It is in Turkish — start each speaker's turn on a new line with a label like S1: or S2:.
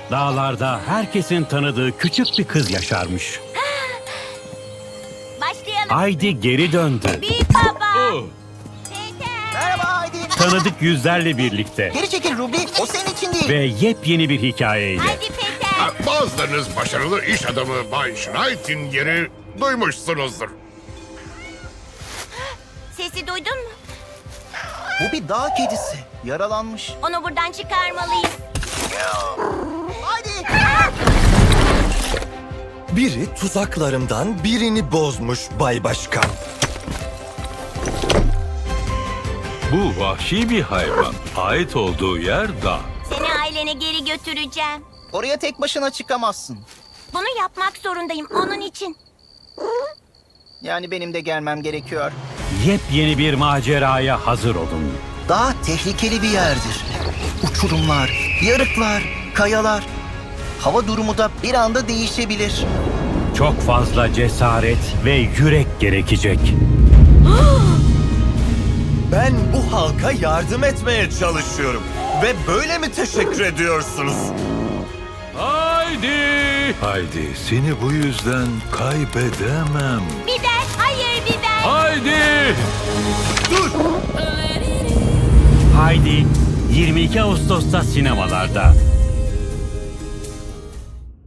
S1: Dağlarda herkesin tanıdığı küçük bir kız yaşarmış.
S2: Başlayalım.
S1: Haydi geri döndü.
S2: Büyük baba. Teyze.
S3: Merhaba Haydi.
S1: Tanıdık yüzlerle birlikte
S3: Geri çekil Ruby. O senin için değil.
S1: ve yepyeni bir hikayeyle.
S2: Hadi Peter.
S4: Bazılarınız başarılı iş adamı Bay Schneidinger'i duymuşsunuzdur.
S2: Sesi duydun mu?
S3: Bu bir dağ kedisi. Yaralanmış.
S2: Onu buradan çıkarmalıyız.
S3: Haydi.
S5: Biri tuzaklarımdan birini bozmuş Bay Başkan.
S6: Bu vahşi bir hayvan. Ait olduğu yer dağ.
S2: Seni ailene geri götüreceğim.
S3: Oraya tek başına çıkamazsın.
S2: Bunu yapmak zorundayım onun için.
S3: Yani benim de gelmem gerekiyor.
S1: Yepyeni bir maceraya hazır olun.
S3: Dağ tehlikeli bir yerdir. Uçurumlar, yarıklar, kayalar. Hava durumu da bir anda değişebilir.
S1: Çok fazla cesaret ve yürek gerekecek.
S5: Ben bu halka yardım etmeye çalışıyorum. Ve böyle mi teşekkür ediyorsunuz?
S6: Haydi! Haydi, seni bu yüzden kaybedemem.
S2: Biber, hayır biber.
S6: Haydi!
S5: Dur!
S1: Haydi 22 Ağustos'ta sinemalarda.